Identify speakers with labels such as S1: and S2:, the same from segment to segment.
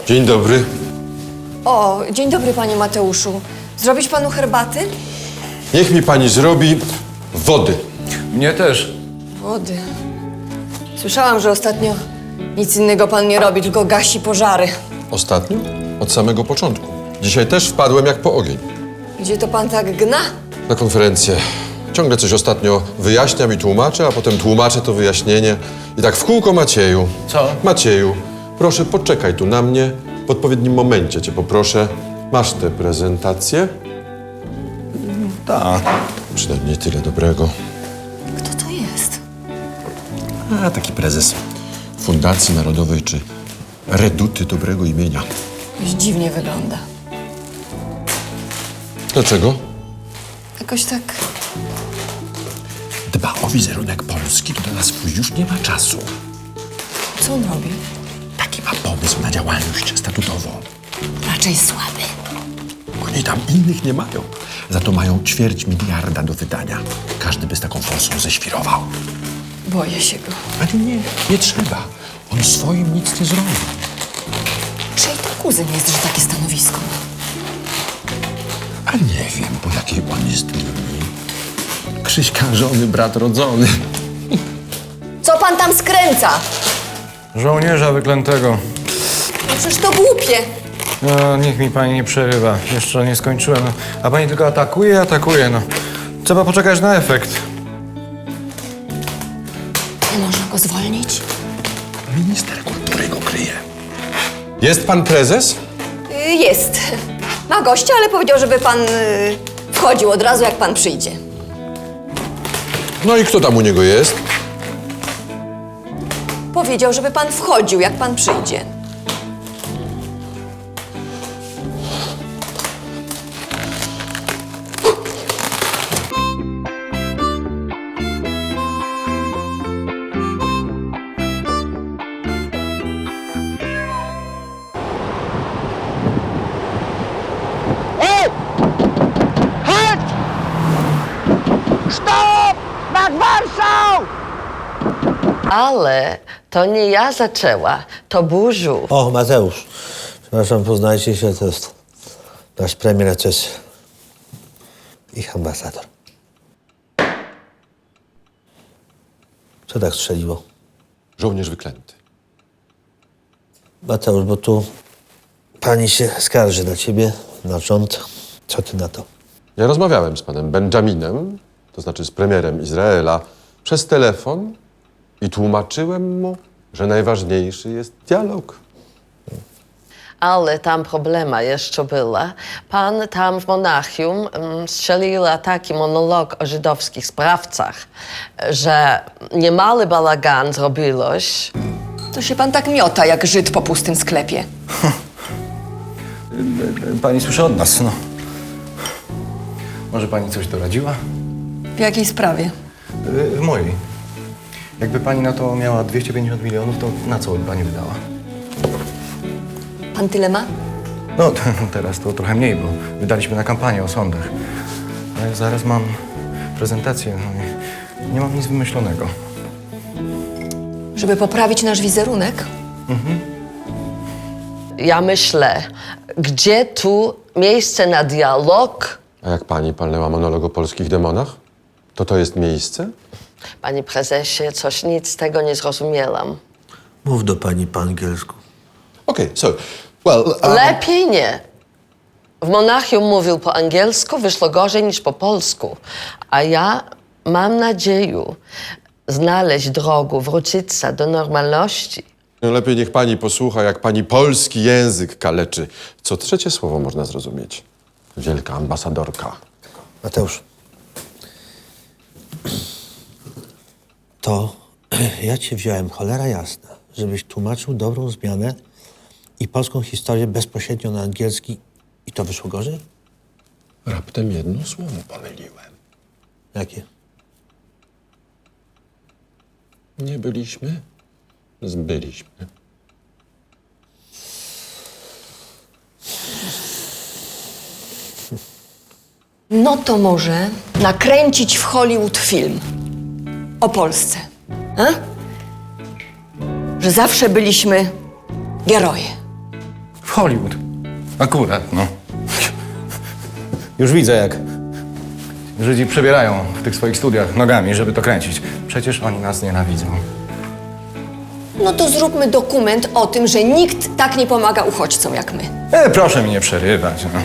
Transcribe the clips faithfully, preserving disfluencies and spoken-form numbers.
S1: Dzień dobry.
S2: O, dzień dobry, panie Mateuszu. Zrobić panu herbaty?
S1: Niech mi pani zrobi wody.
S3: Mnie też.
S2: Wody. Słyszałam, że ostatnio nic innego pan nie robi, tylko gasi pożary.
S1: Ostatnio? Od samego początku. Dzisiaj też wpadłem jak po ogień.
S2: Gdzie to pan tak gna?
S1: Na konferencję. Ciągle coś ostatnio wyjaśniam i tłumaczę, a potem tłumaczę to wyjaśnienie. I tak w kółko Macieju.
S3: Co?
S1: Macieju, proszę poczekaj tu na mnie. W odpowiednim momencie cię poproszę. Masz tę prezentację?
S3: Tak.
S1: Przynajmniej tyle dobrego.
S2: Kto to jest?
S1: A, taki prezes Fundacji Narodowej czy Reduty Dobrego Imienia.
S2: Jakoś dziwnie wygląda.
S1: Dlaczego?
S2: Jakoś tak...
S4: Dba o wizerunek Polski, to na swój już nie ma czasu.
S2: Co on robi?
S4: Taki ma pomysł na działalność statutową.
S2: Raczej słaby.
S4: Oni tam innych nie mają. Za to mają ćwierć miliarda do wydania. Każdy by z taką forsą ześwirował.
S2: Boję się go.
S4: Ale nie, nie trzeba. On swoim nic nie zrobi.
S2: Czyj to kuzyn jest, że takie stanowisko ma?
S4: A nie wiem, po jakiej on jest linii. Krzyśka żony, brat rodzony.
S2: Co pan tam skręca?
S3: Żołnierza wyklętego.
S2: No przecież to głupie.
S3: No, niech mi pani nie przerywa. Jeszcze nie skończyłem. No. A pani tylko atakuje, atakuje, no. Trzeba poczekać na efekt.
S2: Nie można go zwolnić?
S4: Minister kultury go kryje.
S1: Jest pan prezes?
S2: Y, Jest. Ma gościa, ale powiedział, żeby pan y, wchodził od razu, jak pan przyjdzie.
S1: No i kto tam u niego jest?
S2: Powiedział, żeby pan wchodził, jak pan przyjdzie.
S5: Ale to nie ja zaczęła, to Burzu.
S6: O, Mateusz. Przepraszam, poznajcie się, to jest nasz premier, a to jest ich ambasador. Co tak strzeliło?
S1: Żołnierz wyklęty.
S6: Mateusz, bo tu pani się skarży na ciebie, na rząd. Co ty na to?
S1: Ja rozmawiałem z panem Benjaminem, to znaczy z premierem Izraela, przez telefon i tłumaczyłem mu, że najważniejszy jest dialog.
S5: Ale tam problema jeszcze była. Pan tam w Monachium mm, strzelił taki monolog o żydowskich sprawcach, że niemały bałagan zrobiłeś.
S2: To się pan tak miota, jak Żyd po pustym sklepie.
S3: Pani słyszy od nas, no. Może pani coś doradziła?
S2: W jakiej sprawie?
S3: Y, W mojej. Jakby pani na to miała dwieście pięćdziesiąt milionów, to na co by pani wydała?
S2: Pan tyle ma?
S3: No, t- teraz to trochę mniej, bo wydaliśmy na kampanię o sądach. Ale zaraz mam prezentację, no i nie mam nic wymyślonego.
S2: Żeby poprawić nasz wizerunek?
S5: Ja myślę, gdzie tu miejsce na dialog?
S1: A jak pani palnęła monolog o polskich demonach? To to jest miejsce?
S5: Panie prezesie, coś nic z tego nie zrozumiałam.
S6: Mów do pani po angielsku.
S1: Okay, so, well... Um,
S5: Lepiej nie. W Monachium mówił po angielsku, wyszło gorzej niż po polsku. A ja mam nadzieję znaleźć drogę, wrócić się do normalności.
S1: lepiej niech pani posłucha, jak pani polski język kaleczy. Co trzecie słowo można zrozumieć. Wielka ambasadorka.
S6: Mateusz. To ja cię wziąłem, cholera jasna, żebyś tłumaczył dobrą zmianę i polską historię bezpośrednio na angielski i to wyszło gorzej?
S1: Raptem jedno słowo pomyliłem.
S6: Jakie?
S1: Nie byliśmy, zbyliśmy.
S2: No to może nakręcić w Hollywood film o Polsce. A? Że zawsze byliśmy geroje.
S3: Hollywood. Akurat, no. Już widzę, jak Żydzi przebierają w tych swoich studiach nogami, żeby to kręcić. Przecież oni nas nienawidzą.
S2: No to zróbmy dokument o tym, że nikt tak nie pomaga uchodźcom jak my.
S3: E, proszę mi nie przerywać, no.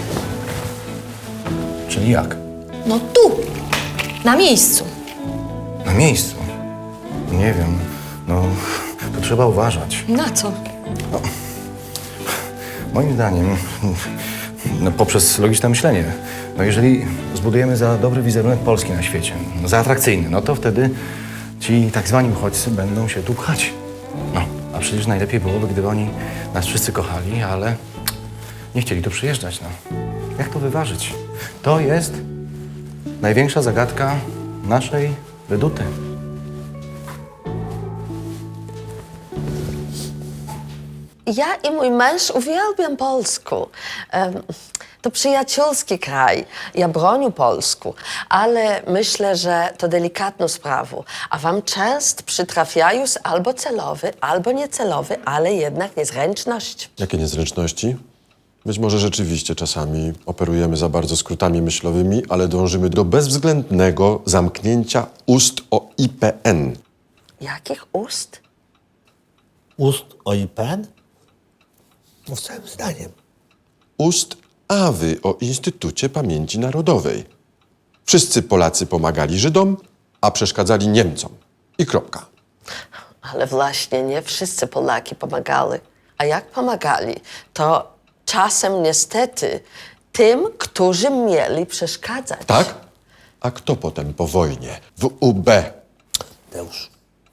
S3: Czyli jak?
S2: No tu, na miejscu.
S3: Na miejscu? Nie wiem, no, to trzeba uważać.
S2: Na co?
S3: Moim zdaniem, no, poprzez logiczne myślenie, no jeżeli zbudujemy za dobry wizerunek Polski na świecie, no, za atrakcyjny, no to wtedy ci tak zwani uchodźcy będą się tu pchać. No, a przecież najlepiej byłoby, gdyby oni nas wszyscy kochali, ale nie chcieli tu przyjeżdżać, no. Jak to wyważyć? To jest największa zagadka naszej Reduty.
S5: Ja i mój męż uwielbiam Polskę. Em, To przyjacielski kraj. Ja bronię Polsku, ale myślę, że to delikatną sprawą. A wam często przytrafiają albo celowy, albo niecelowy, ale jednak niezręczność.
S1: Jakie niezręczności? Być może rzeczywiście czasami operujemy za bardzo skrótami myślowymi, ale dążymy do bezwzględnego zamknięcia ust o I P N.
S5: Jakich ust?
S6: Ust o I P N? No, całym zdaniem.
S1: Ust Awy o Instytucie Pamięci Narodowej. Wszyscy Polacy pomagali Żydom, a przeszkadzali Niemcom. I kropka.
S5: Ale właśnie nie wszyscy Polaki pomagali. A jak pomagali, to czasem niestety tym, którzy mieli przeszkadzać.
S1: Tak? A kto potem po wojnie w U B?
S6: Teusz.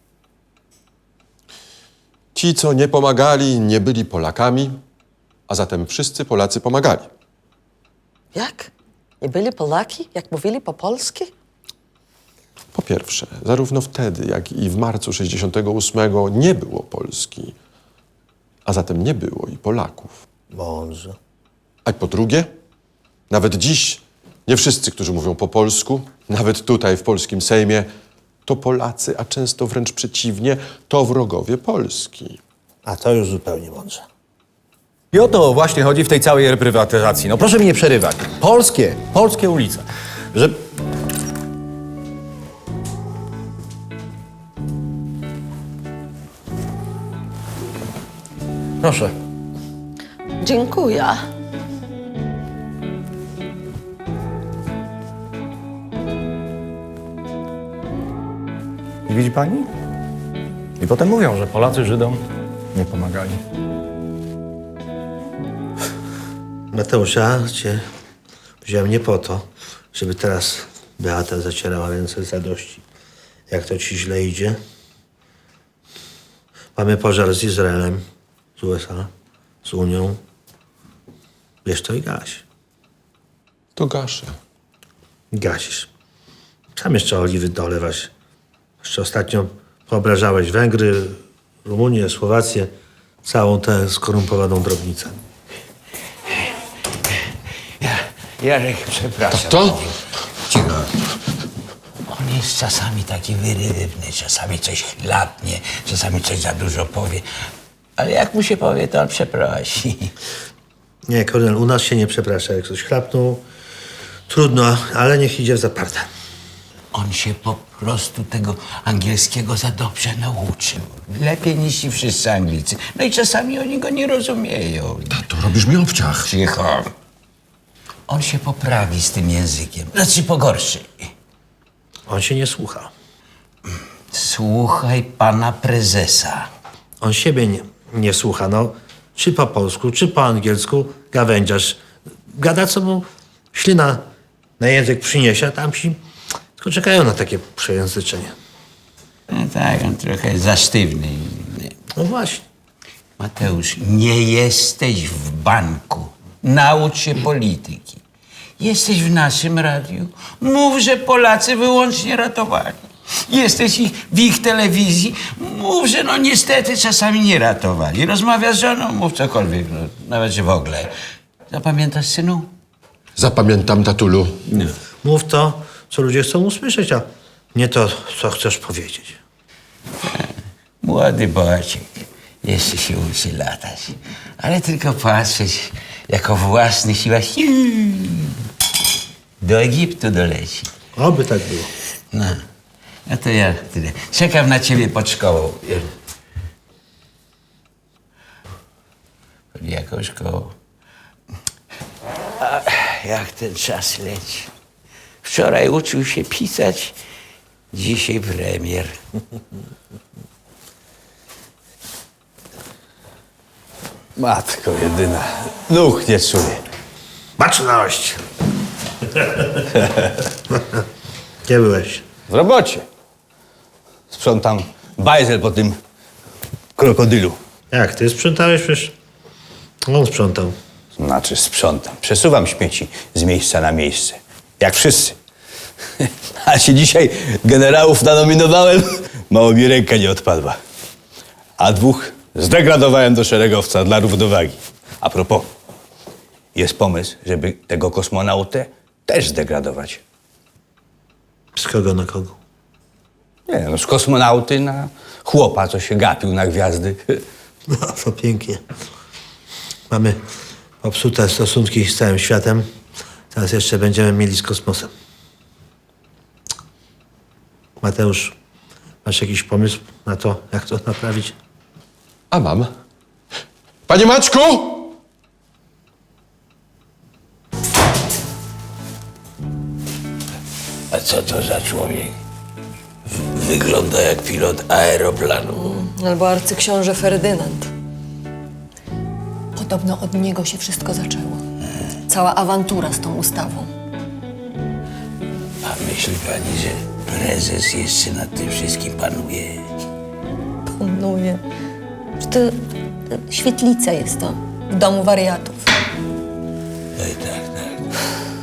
S1: Ci, co nie pomagali, nie byli Polakami, a zatem wszyscy Polacy pomagali.
S5: Jak? Nie byli Polaki, jak mówili po polsku?
S1: Po pierwsze, zarówno wtedy, jak i w marcu sześćdziesiątego ósmego nie było Polski, a zatem nie było i Polaków.
S6: Mądrze.
S1: A po drugie, nawet dziś nie wszyscy, którzy mówią po polsku, nawet tutaj w polskim Sejmie, to Polacy, a często wręcz przeciwnie, to wrogowie Polski.
S6: A to już zupełnie mądrze.
S3: I o to właśnie chodzi w tej całej reprywatyzacji. No proszę mi nie przerywać. Polskie, polskie ulice. Że... Proszę.
S5: Dziękuję.
S3: I widzi pani? I potem mówią, że Polacy Żydom nie pomagali.
S6: Mateusz, ja cię wziąłem nie po to, żeby teraz Beata zacierała ręce z radości. Jak to ci źle idzie? Mamy pożar z Izraelem, z U S A, z Unią. Wiesz to i gaś.
S1: To gaszę.
S6: Gasisz. Sam jeszcze oliwy dolewać. Jeszcze ostatnio poobrażałeś Węgry, Rumunię, Słowację, całą tę skorumpowaną drobnicę.
S4: Jarek, przepraszam.
S1: To?
S4: Cicho. On jest czasami taki wyrywny, czasami coś chlapnie, czasami coś za dużo powie. Ale jak mu się powie, to on przeprosi.
S6: Nie, Kornel, u nas się nie przeprasza. Jak ktoś chlapnął, trudno, ale niech idzie w zaparte.
S4: On się po prostu tego angielskiego za dobrze nauczył. Lepiej niż ci wszyscy Anglicy. No i czasami oni go nie rozumieją.
S1: To robisz mi obciach.
S4: Cicho. On się poprawi z tym językiem. Znaczy pogorszy.
S6: On się nie słucha.
S4: Słuchaj pana prezesa.
S6: On siebie nie, nie słucha. No, czy po polsku, czy po angielsku gawędziarz. Gada, co mu ślina na język przyniesie, a tamci tylko czekają na takie przejęzyczenie.
S4: No tak, on trochę za sztywny.
S6: No właśnie.
S4: Mateusz, nie jesteś w banku. Naucz się polityki. Jesteś w naszym radiu. Mów, że Polacy wyłącznie ratowali. Jesteś ich, w ich telewizji. Mów, że no niestety czasami nie ratowali. Rozmawiasz z żoną, mów cokolwiek, no, nawet że w ogóle. Zapamiętasz, synu?
S1: Zapamiętam, tatulu.
S6: Mów to, co ludzie chcą usłyszeć, a nie to, co chcesz powiedzieć.
S4: Młody Boaciek. jeszcze się uczy latać. Ale tylko patrzeć, jak o własnych siłach do Egiptu doleci.
S6: Oby tak było.
S4: No, no to ja tyle. Czekam na ciebie pod szkołą. Pod jaką szkołą? A, jak ten czas leci. Wczoraj uczył się pisać, dzisiaj premier.
S7: Matko jedyna, nóg nie czuję.
S6: Baczność! Gdzie byłeś?
S7: W robocie. Sprzątam bajzel po tym krokodylu.
S6: Jak, ty sprzątałeś? Przecież on sprzątał.
S7: Znaczy sprzątam. Przesuwam śmieci z miejsca na miejsce. Jak wszyscy. A się dzisiaj generałów nanominowałem, mało mi ręka nie odpadła. A dwóch zdegradowałem do szeregowca dla równowagi. A propos, jest pomysł, żeby tego kosmonautę też zdegradować.
S6: Z kogo na kogo?
S7: Nie, no z kosmonauty na chłopa, co się gapił na gwiazdy.
S6: No, to pięknie. Mamy popsute stosunki z całym światem. Teraz jeszcze będziemy mieli z kosmosem. Mateusz, masz jakiś pomysł na to, jak to naprawić?
S1: A mam. Panie Maćku!
S4: A co to za człowiek? W- wygląda jak pilot aeroplanu.
S2: Albo arcyksiąże Ferdynand. Podobno od niego się wszystko zaczęło. Cała awantura z tą ustawą.
S4: A myśli pani, że prezes jeszcze nad tym wszystkim panuje?
S2: Panuje. Że to e, świetlica jest to w domu wariatów.
S4: Oj, tak, tak.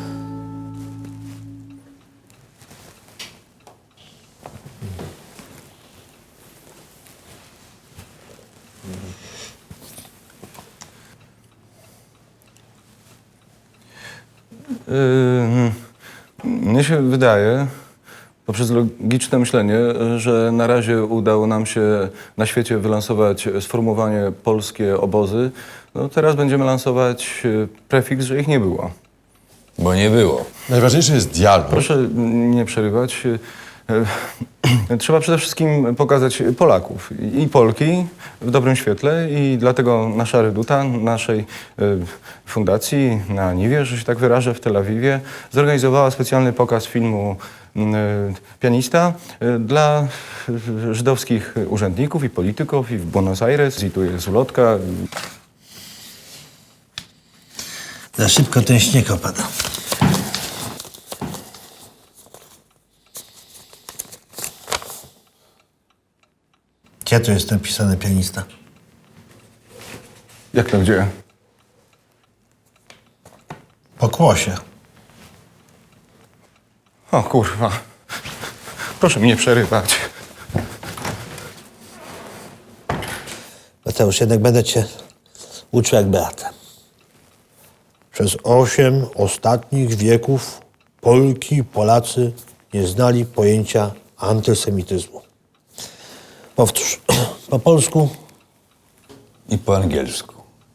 S3: Yy, mnie się wydaje, poprzez logiczne myślenie, że na razie udało nam się na świecie wylansować sformułowanie polskie obozy. No teraz będziemy lansować yy, prefiks, że ich nie było.
S7: Bo nie było.
S1: Najważniejszy jest dialog.
S3: Proszę nie przerywać. E, Trzeba przede wszystkim pokazać Polaków i Polki w dobrym świetle i dlatego nasza Reduta, naszej e, fundacji na Niwie, że się tak wyrażę, w Tel Awiwie, zorganizowała specjalny pokaz filmu m, e, Pianista e, dla e, żydowskich urzędników i polityków i w Buenos Aires. I tu jest ulotka.
S6: Za szybko ten śnieg opada. Gdzie tu jest napisany pianista?
S3: Jak to gdzie?
S6: Po kłosie.
S3: O kurwa. Proszę mi nie przerywać.
S6: Mateusz, jednak będę cię uczył jak Beatę. Przez osiem ostatnich wieków Polki i Polacy nie znali pojęcia antysemityzmu. Powtórz. Po polsku
S7: I po angielsku.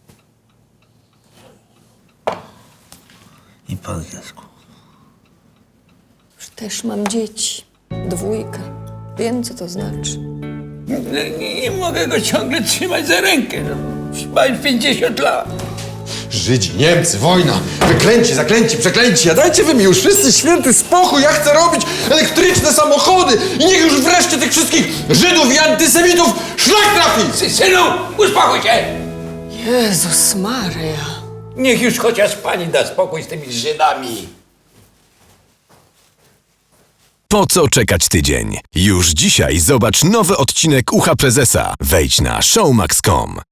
S6: i po angielsku.
S2: Już też mam dzieci. Dwójkę. Wiem, co to znaczy.
S4: Nie, nie mogę go ciągle trzymać za rękę. Ma już pięćdziesiąt lat.
S1: Żydzi, Niemcy, wojna, wyklęci, zaklęci, przeklęci. A dajcie wy mi już wszyscy święty spokój. Ja chcę robić elektryczne samochody i niech już wreszcie tych wszystkich Żydów i antysemitów szlak trafi.
S4: Sy- Synu, uspokój się!
S2: Jezus Maria.
S4: Niech już chociaż pani da spokój z tymi Żydami.
S8: Po co czekać tydzień? Już dzisiaj zobacz nowy odcinek Ucha Prezesa. Wejdź na showmax kropka com.